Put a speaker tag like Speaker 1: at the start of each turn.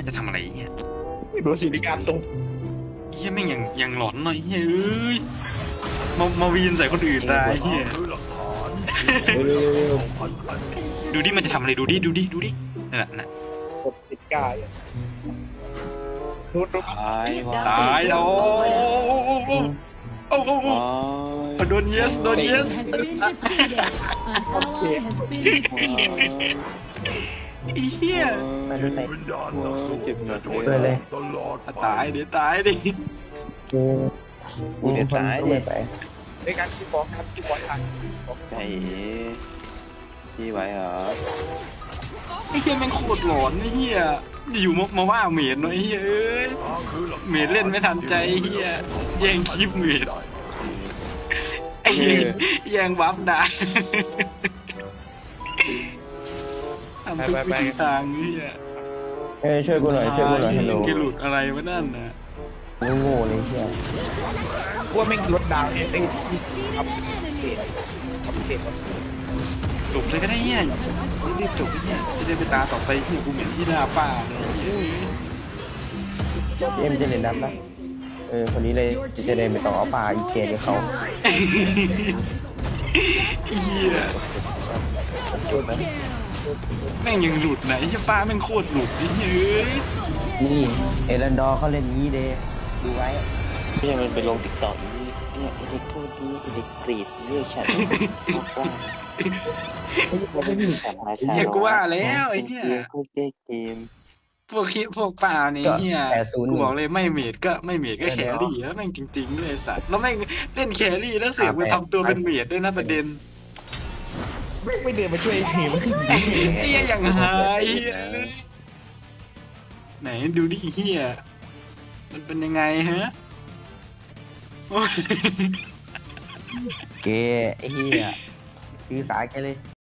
Speaker 1: จะทำอะไรเฮีย
Speaker 2: โดนสิริการตรง
Speaker 1: เฮียแม่งยังหลอนหน่อยเฮียเอ้ยมาวีนใส่คนอื่นได้เฮีย
Speaker 2: เร็ว
Speaker 1: ดูดิมันจะทำอะไรดูดินั่นแหละนะ
Speaker 2: ๆกดสิริการนู่น
Speaker 3: ตายว่ะ
Speaker 1: ตายแล้วโอ้โดนเยส
Speaker 4: has been defeated. An ally has been defeated.
Speaker 1: ไอ้เฮีย
Speaker 5: ไปดูไหน
Speaker 3: เจ็บหนัก
Speaker 5: เปิดเลย
Speaker 1: ตายดิ
Speaker 5: กู
Speaker 3: กูจะตาย
Speaker 5: เล
Speaker 3: ดิ
Speaker 5: ยไป
Speaker 2: ในการคีย์บอร์ดครับคีย์บอร์ดทัน
Speaker 3: ไอ้พี่ไหวเหรอ
Speaker 1: ไอ้เฮียแม่งโคตรหลอนไอ้เฮียอยู่มาว่าเมดหน่อยไอ้เฮียเอ้ยเมดเล่นไม่ทันใจไอ้เฮียแย่งคลิปเมดไอ้เหี้ยแย่งบัฟได้ทำทุกวิถีทางไอ้เฮีย
Speaker 5: ช่วยกูหน่อยฮัลโหล
Speaker 1: แกหลุดอะไรวะนั่นนะ
Speaker 5: โง่เลยเชี่ย
Speaker 2: กลัวแม่งลดดาวเนี่ยได้
Speaker 4: Defeated an enemy.
Speaker 2: ทำเด็ก
Speaker 1: จบเลยก็ได้เฮียรีบจบเฮียจะได้ไปตาต่อไปเฮียกูเหม็นที่หน้าป้าเลยเฮีย
Speaker 5: เอ็มจะเล่นน้ำปะคนนี้เลยจะได้ไม่ต้องเอาปลาอีเกกับเขา
Speaker 1: เฮียแม่งยังหลุดไหนเฮียป้าแม่งโคตรหลุดไอ้เฮ้ย
Speaker 5: นี่เอรันดอร์เขาเล่นงี้เดดูไว้
Speaker 3: พี่มันไปลงติ๊กต็อกนี่เนี่ยไอ้เด็กพูดดีไอ้เด็กกรีดเรียกฉันว่าไม่มีสาระชา
Speaker 1: เฮียกูว่าแล้วไอ้เฮีย
Speaker 3: พวกเจ๊เกม
Speaker 1: พวกป่านี่เฮีย
Speaker 5: 80
Speaker 1: กูบอกเลยไม่เมดก็แครี่แล้วแม่งจริงๆด้วยไอ้สัตว์แล้วแม่งเล่นแครี่แล้วเสือกไปทำตัวเป็นเมดด้วยนะประเด็น
Speaker 2: ไม่เดินมาช่วยทีม
Speaker 1: ไอ้เฮียอย่างหายเหี้ยไหนดูดิเฮียมันเป็นยังไงฮะโอ้ย
Speaker 5: เกไอ้เหี้ยคือสายแกเลย